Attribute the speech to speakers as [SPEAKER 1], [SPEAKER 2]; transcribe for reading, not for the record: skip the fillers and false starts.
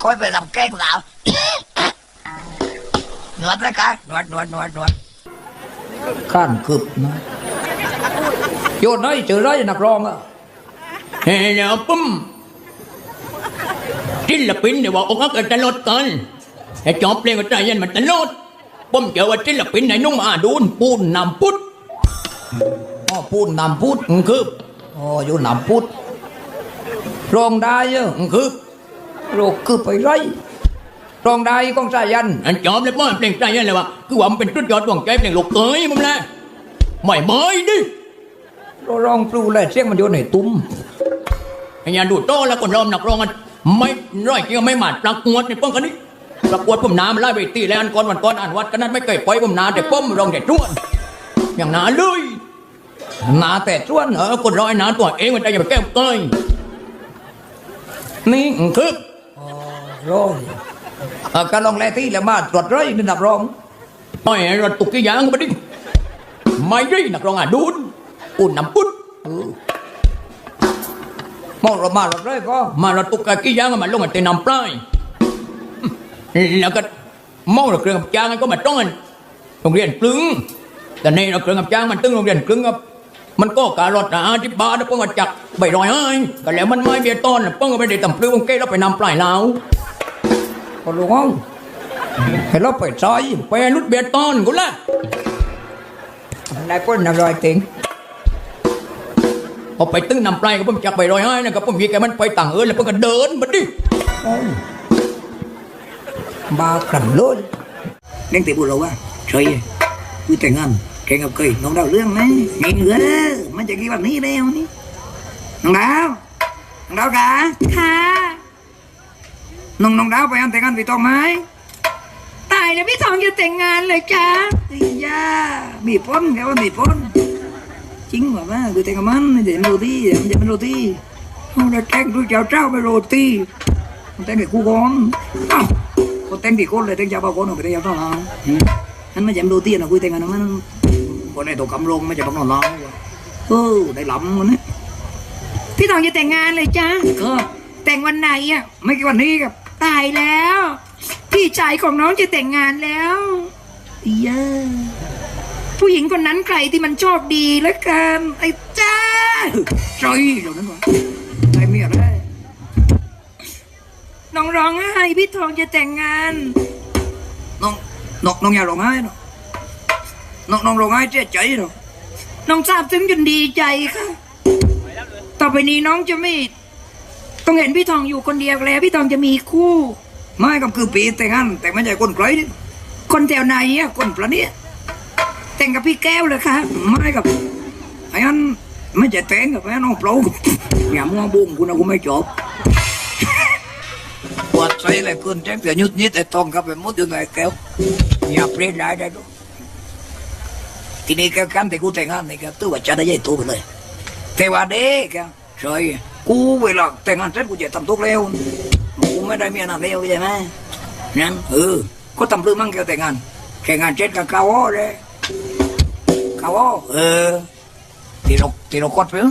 [SPEAKER 1] คอยไปทำแกล้งสาวนวดเลยกันนวดข้านคืบนะโยนได้เจอได้นักร้องอ่ะ
[SPEAKER 2] เฮ้ยปุ๊มศิลปินเดี๋ยวบอกอกอักตลอดกันไอ้จอบเพลงก็ใจเย็นมันตลอดผมเจอว่าศิลปินไหนนุ่งอาดูนปูนนำพุทธ
[SPEAKER 1] อ๋อพูดนำพูด
[SPEAKER 2] คือ
[SPEAKER 1] อ๋ออยู่นำพูดร้องได้เยอะ
[SPEAKER 2] คือ
[SPEAKER 1] โรคคือไปไรร้องได้ก้องสายัน
[SPEAKER 2] อันจอบเลยว่าเพลงใจเย็นเลยวะคือว่ามันเป็นชุดยอดดวงใจเพลงลูกเตยมึงแหละไม่ดิ
[SPEAKER 1] ร้องปลูเลยเสียงมันอยู่ในตุ้ม
[SPEAKER 2] ไอ้ยาดูโตแล้วคนร้องนักร้องกันไม่ร้อยเกี่ยวไม่หมาดประกวดในป้องกันนี้ประกวดผมน้ำไล่ไปตีแล้วอันก่อนวันก่อนอ่านวัดกันนั้นไม่เคยปล่อยผมน้ำแต่ป้อมร้องแต่จ้วนอย่างน้าเลย
[SPEAKER 1] นาแต่จ้วน
[SPEAKER 2] คนร้อยน้าตัวเองมันใจอย่าไปแก้วเกยนี่คือ
[SPEAKER 1] ร้องการลองแลที่แล้วมาตรวจร้อยนี่นักร้อง
[SPEAKER 2] ต่อยรถตุกกี่อย่างก็ไม่ได้ไม่ได้นักร้องอ่ะดูนปุ่นน้ำปุ่น
[SPEAKER 1] มองเรามารถร้อยก็
[SPEAKER 2] มารถตุกกี่อย่างมันลงกันเตะน้ำปลายแล้วก็มองเราเครื่องกับจ้างก็มาต้องกันโรงเรียนกลึงแต่ในเราเครื่องกับจ้างมันตึงโรงเรียนกลึงครับมันก็การถที่บ้านแล้วป้องกันจักใบรอยให้ก็แล้วมันไม่เบียต้นป้องกันไปได้ต่ำปลื้มเก้แล้วไปนำปลายแล้ว
[SPEAKER 1] ก็รู้ว่าให้เราไปซอย
[SPEAKER 2] ไปรุดเบียต้นกูละ
[SPEAKER 1] นายป้นนารอยติง
[SPEAKER 2] พอไปตึ้งนำปลายก็ผมจักใบรอยให้นะครับผมมีแกมันไปต่างแล้วป้องกันเดินมาดิ
[SPEAKER 1] บ้าขันเลยเล่นตีบุญเราวะใช่คุยแต่งงานแกงกับเคยน้องดาวเรื่องไหมไงเหนือมันจะกี่วันนี้แล้วนี่น้องดาวกะ
[SPEAKER 3] ค่ะ
[SPEAKER 1] น้องดาวไปอันแต่งงานพี่ตองไหม
[SPEAKER 3] ตายแล้วพี่ทองจะแต่งงานเลยจ้า
[SPEAKER 1] ย่ามีพ้นแกว่ามีพ้นจริงว่าคือแต่งกับมันเดี๋ยวโรตีเดี๋ยวเป็นโรตีเขาจะแกงด้วยเจ้าไปโรตีแต่งกับคู่ก้อนก็แต่งที่คนเลยแต่งเจ้าบ้าคนออกไปแต่งเจ้าต้องเอานั่นไม่ใช่โรตีนะคุยแต่งกันมันคนในตัวกำลงไม่ใช่บังนอนน้องได้หลำมันนะ
[SPEAKER 3] พี่ทองจะแต่งงานเลยจ้าแต่งวันไหนอ่ะ
[SPEAKER 1] ไม่กี่วันนี้ครับ
[SPEAKER 3] ตายแล้วพี่ชายของน้องจะแต่งงานแล้ว
[SPEAKER 1] เย้
[SPEAKER 3] ผู้หญิงคนนั้นใครที่มันโชคดีแล้วกันไอ้จ้า
[SPEAKER 1] ใจเดี๋ยวนั้นวะใจเมียได้
[SPEAKER 3] น้องร้องไห้พี่ทองจะแต่งงาน
[SPEAKER 1] น้องอย่าร้องไห้เนาะน้องร้องไห้เจ๊ใจเนาะ
[SPEAKER 3] น้องทราบซึ้งจนดีใจค่ะต่อไปนี้น้องจะไม่ต้องเห็นพี่ทองอยู่คนเดียวแล้วพี่ทองจะมีคู่
[SPEAKER 1] ไม่ก็คือปีแต่งงานแต่ไม่ใช่คนไกลนี่
[SPEAKER 3] คนแถวไหนอ่ะคนประเนี้ยแต่งกับพี่แก้วเลยค่ะ
[SPEAKER 1] ไม่กับไอ้นั้นไม่ใช่แต่งกับไอ้น้องเปล่าอย่ามัวบุ้งกูนะกูไม่จบปวดใจเลยคุณแจ้งแต่ยุดนิดไอ้ตองกับไปมุดอยู่ไหนแก้วอย่าเปลี่ยนได้ด้วยทีนี้แกกันแต่กูแต่งงานนี่แกตัวว่าจะได้ยัยตัวไปเลยแต่ว่าเด็กแกใช่กูเวลาแต่งงานเสร็จกูจะทำทุกเร็วกูไม่ได้เมียนานเร็วใช่ไหมนั่นก็ทำเรื่องมั่งแกแต่งงานเสร็จกับเขาเลยเขาที่เรากดไป